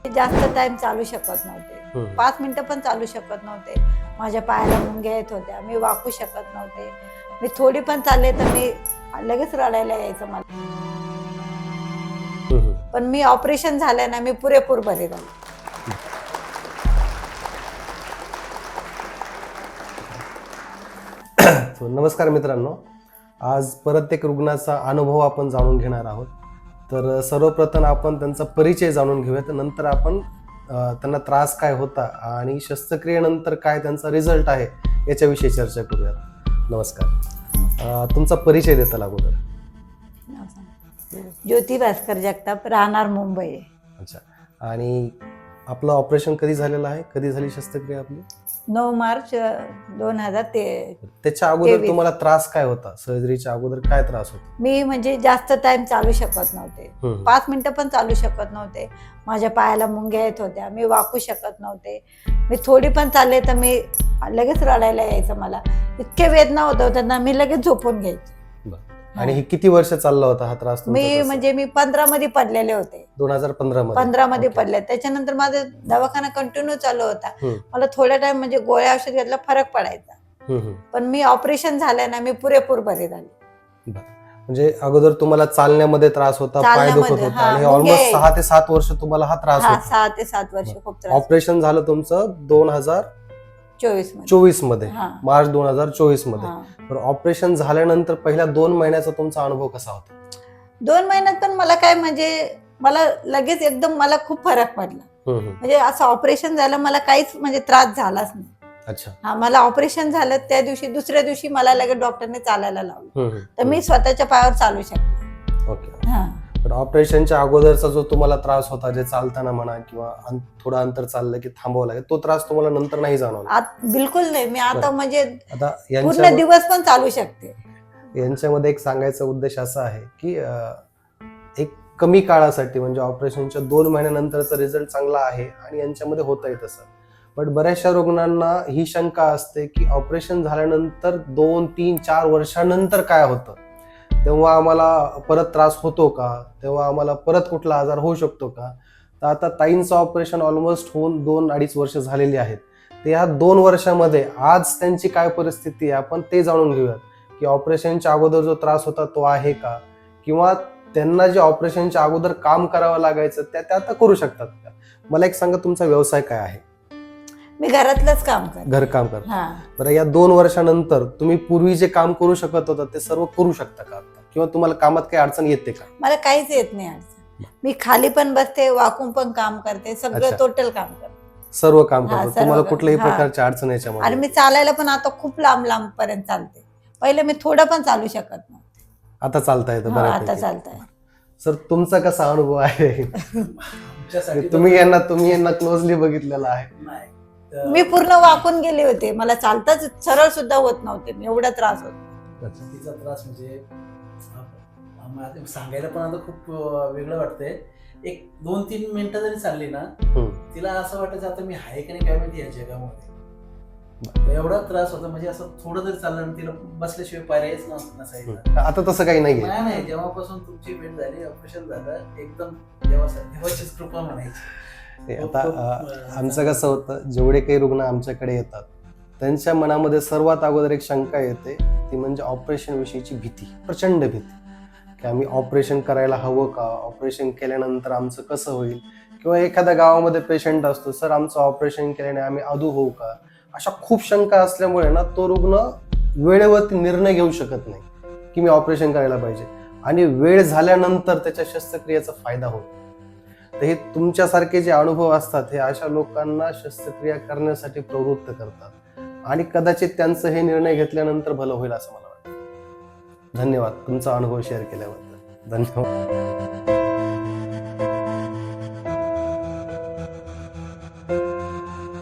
जास्त टाइम चालू शकत नव्हते, 5 मिनिटं पण चालू शकत नव्हते. माझ्या पायाला मुंग्या येत होत्या, मी वाकू शकत नव्हते. मी थोडी पण चालले तर मी लगेच रडायला यायचं मला. पण मी ऑपरेशन झालं ना, मी पुरेपूर बरे झाले. नमस्कार मित्रांनो, आज परत एक रुग्णाचा अनुभव आपण जाणून घेणार आहोत. तर सर्वप्रथम आपण त्यांचा परिचय जाणून घेऊयात, नंतर आपण त्यांना त्रास काय होता आणि शस्त्रक्रियेनंतर काय त्यांचा रिझल्ट आहे याच्याविषयी चर्चा करूयात. नमस्कार, तुमचा परिचय देता अगोदर. ज्योती भास्कर जगताप, राहणार मुंबई. अच्छा, आणि आपलं ऑपरेशन कधी झालेलं आहे? कधी झाली शस्त्रक्रिया आपली? 9 मार्च 2023. त्याच्या अगोदर तुम्हाला त्रास काय होता? सर्जरीच्या अगोदर काय त्रास होता? मी म्हणजे जास्त टाइम चालू शकत नव्हते, 5 मिनिटं पण चालू शकत नव्हते. माझ्या पायाला मुंग्या येत होत्या, मी वाकू शकत नव्हते. मी थोडी पण चालले तर मी लगेच रडायला यायचं मला. इतके वेदना होत होत्या ना, मी लगेच झोपून घ्यायचे. आणि हे किती वर्ष चालला होता हा त्रास? मी 15 मध्ये पडलेले होते. 2015 मध्ये पडले. त्याच्यानंतर माझा दवाखाना कंटिन्यू चालू होता. मला थोड्या टाइम म्हणजे गोळ्या औषध घेतला फरक पडायचा. पण मी ऑपरेशन झालं ना, मी पुरेपूर बरे झाले. म्हणजे अगोदर तुम्हाला चालण्यामध्ये त्रास होता, पाय दुखत होता, आणि ऑलमोस्ट 6 ते 7 वर्ष तुम्हाला हा त्रास होता. 6 ते 7 वर्ष खूप त्रास. ऑपरेशन झालं तुमचं 2024 मध्ये, मार्च 2024 मध्ये. तर ऑपरेशन झाल्यानंतर पहिल्या 2 महिन्याचा तुमचा अनुभव कसा होता? 2 महिन्यात पण मला काय म्हणजे मला लगेच एकदम मला खूप फरक पडला. म्हणजे असं ऑपरेशन झालं मला काहीच म्हणजे त्रास झालाच नाही. अच्छा. मला ऑपरेशन झालं त्या दिवशी, दुसऱ्या दिवशी मला लगेच डॉक्टरने चालायला लावलं. तर मी स्वतःच्या पायावर चालू शकले. ओके. तर ऑपरेशनच्या अगोदरचा जो तुम्हाला त्रास होता, जे चालताना म्हणा किंवा थोडं अंतर चाललं की थांबावं लागेल, तो त्रास तुम्हाला नंतर नाही जाणवला? बिलकुल नाही. मी आता म्हणजे आता पूर्ण दिवस पण चालू शकते. यांच्यामध्ये एक सांगायचा उद्देश असा आहे की एक कमी काळासाठी म्हणजे ऑपरेशनच्या 2 महिन्यानंतरचा रिझल्ट चांगला आहे आणि यांच्यामध्ये होतंय तसं. पण बऱ्याचशा रुग्णांना ही शंका असते की ऑपरेशन झाल्यानंतर 2, 3, 4 वर्षानंतर काय होतं, तेव्हा आम्हाला परत त्रास होतो का, तेव्हा आम्हाला परत कुठला आजार होऊ शकतो का? तर आता ताईंचं ऑपरेशन ऑलमोस्ट होऊन 2-2.5 वर्ष झालेली आहेत. तर या 2 वर्षामध्ये आज त्यांची काय परिस्थिती आहे आपण ते जाणून घेऊयात, की ऑपरेशनच्या अगोदर जो त्रास होता तो आहे का, किंवा त्यांना जे ऑपरेशनच्या अगोदर काम करावं लागायचं त्या आता करू शकतात का? मला एक सांगा, तुमचा व्यवसाय काय आहे? मी घरातलंच काम करते. घरकाम करता. बरं, या 2 वर्षानंतर तुम्ही पूर्वी जे काम करू शकत होता ते सर्व करू शकता का आता, किंवा तुम्हाला कामात काही अडचण येते का? मला काहीच येत नाही अडचण. मी खाली पण बसते, वाकून पण काम करते, सगळं टोटल काम करते. सर्व काम करतो, तुम्हाला कुठल्याही प्रकारची अडचण याच्यामध्ये? आणि मी चालायला पण आता खूप लांब पर्यंत चालते. पहिले मी थोडं पण चालू शकत नव्हते. आता चालता येतं बऱ्यापैकी. आता चालतंय. सर, तुमचा कसा अनुभव आहे? तुम्ही यांना क्लोजली बघितलेला आहे. मी पूर्ण वाकून गेले होते, मला चालताच सरळ सुद्धा होत नव्हते, मी एवढा त्रास होता. तिचा त्रास म्हणजे सांगायला पण आता खूप वेगळं वाटतंय. एक 2-3 मिनिटं जरी चालली ना, तिला असं वाटायचं आता मी आहे की नाही काय माहिती या जगामध्ये. एवढा त्रास होता, म्हणजे असं थोडं जरी चाललं ना, तिला बसल्याशिवाय पर्यायच नसायचं. आता तसं काही नाही. जेव्हापासून तुमची भेट झाली, ऑपरेशन झालं, एकदम देवाचीच कृपा म्हणायची. आता आमचं कसं होतं, जेवढे काही रुग्ण आमच्याकडे येतात त्यांच्या मनामध्ये सर्वात अगोदर एक शंका येते, ती म्हणजे ऑपरेशन विषयीची भीती, प्रचंड भीती, की आम्ही ऑपरेशन करायला हवं का, ऑपरेशन केल्यानंतर आमचं कसं होईल, किंवा एखाद्या गावामध्ये पेशंट असतो, सर आमचं ऑपरेशन केल्याने आम्ही अधू होऊ का. अशा खूप शंका असल्यामुळे ना, तो रुग्ण वेळेवरती निर्णय घेऊ शकत नाही की मी ऑपरेशन करायला पाहिजे, आणि वेळ झाल्यानंतर त्याच्या शस्त्रक्रियेचा फायदा होतो. तर हे तुमच्यासारखे जे अनुभव असतात हे अशा लोकांना शस्त्रक्रिया करण्यासाठी प्रवृत्त करतात, आणि कदाचित त्यांचं हे निर्णय घेतल्यानंतर भलं होईल असं मला वाटतं. धन्यवाद तुमचा अनुभव शेअर केल्याबद्दल. धन्यवाद.